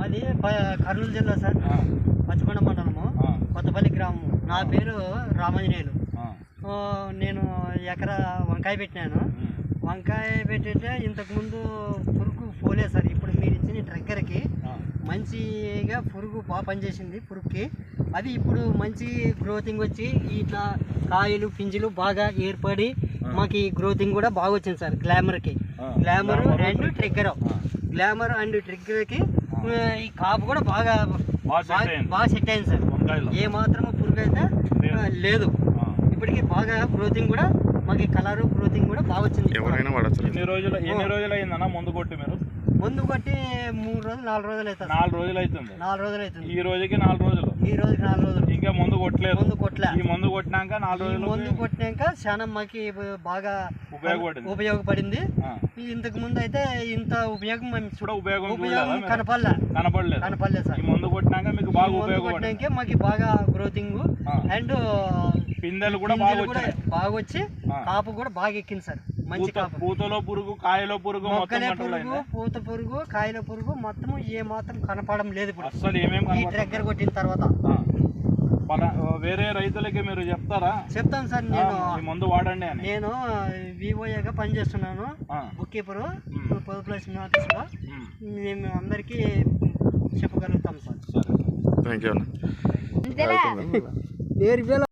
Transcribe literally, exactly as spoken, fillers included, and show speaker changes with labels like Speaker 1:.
Speaker 1: మాది కర్నూలు జిల్లా సార్, పచ్చకొండ మండలము, కొత్తపల్లి గ్రామం. నా పేరు రామాంజనేయులు. నేను ఎకరా వంకాయ పెట్టినాను. వంకాయ పెట్టితే ఇంతకుముందు పురుగు పోలేదు సార్. ఇప్పుడు మీరు ఇచ్చిన ట్రెక్కర్కి మంచిగా పురుగు బాగా పనిచేసింది. పురుగుకి అది ఇప్పుడు మంచి గ్రోతింగ్ వచ్చి ఇట్లా కాయలు పింజలు బాగా ఏర్పడి మాకు గ్రోతింగ్ కూడా బాగా వచ్చింది సార్. గ్లామర్కి glamour and trigger glamour and ట్రిగ్గర్కి ఈ కాపు కూడా బాగా బాగా సెట్ అయింది సార్. ఏ మాత్రము పురుగు అయితే లేదు. ఇప్పటికీ బాగా గ్రోతింగ్ కూడా మాకు కలర్ గ్రోతింగ్ కూడా బాగా వచ్చింది.
Speaker 2: ఎవరైనా వాడచ్చు. ఎన్ని రోజులు ఎన్ని రోజులు అయిందన్నా ముందు కొట్టి మీరు?
Speaker 1: ముందు కొట్టి మూడు రోజులు నాలుగు రోజులు అవుతుంది.
Speaker 2: నాలుగు రోజులు అవుతుంది.
Speaker 1: నాలుగు రోజులు అవుతుంది.
Speaker 2: ఈ రోజుకి నాలుగు రోజులు.
Speaker 1: ఈ రోజుకి నాలుగు రోజులు.
Speaker 2: ఇంకా ముందు కొట్టలేదు.
Speaker 1: ముందు కొట్టలే.
Speaker 2: ఈ ముందు కొట్టినాక నాలుగు రోజులు.
Speaker 1: ముందు కొట్టినాక చాలా మాకు బాగా
Speaker 2: ఉపయోగపడింది
Speaker 1: ఉపయోగపడింది ఇంతకు ముందు అయితే ఇంత ఉపయోగం
Speaker 2: కూడా ఉపయోగం
Speaker 1: ఉపయోగం కనపడలే
Speaker 2: కనపడలేదు
Speaker 1: కనపడలేదు సార్.
Speaker 2: ఈ ముందు కొట్టినాక మీకు బాగా ఉపయోగపడినాక
Speaker 1: మాకు బాగా గ్రోతింగ్ అండ్
Speaker 2: పిందెలు కూడా బాగా వచ్చాయి.
Speaker 1: బాగా వచ్చి కాపు కూడా బాగా ఎక్కింది సార్. మంచి కాపు.
Speaker 2: పూతలో పురుగు, కాయలో పురుగు,
Speaker 1: మొక్కలే పురుగు, పూత పురుగు, కాయల పురుగు మొత్తం ఏ మాత్రం కనపడడం లేదు ఇప్పుడు
Speaker 2: అసలు. ఏమేమి
Speaker 1: ఈ ట్రెక్కర్ కొట్టిన తర్వాత
Speaker 2: వేరే రైతులకి మీరు చెప్తారా?
Speaker 1: చెప్తాను సార్. నేను
Speaker 2: ముందు వాడండి అని.
Speaker 1: నేను వివోఏగా పనిచేస్తున్నాను, బుక్ కీపరు పొదుపుల ఆఫీస్లో. మేము అందరికీ చెప్పగలుగుతాం సార్.
Speaker 2: సరే, థ్యాంక్ యూ.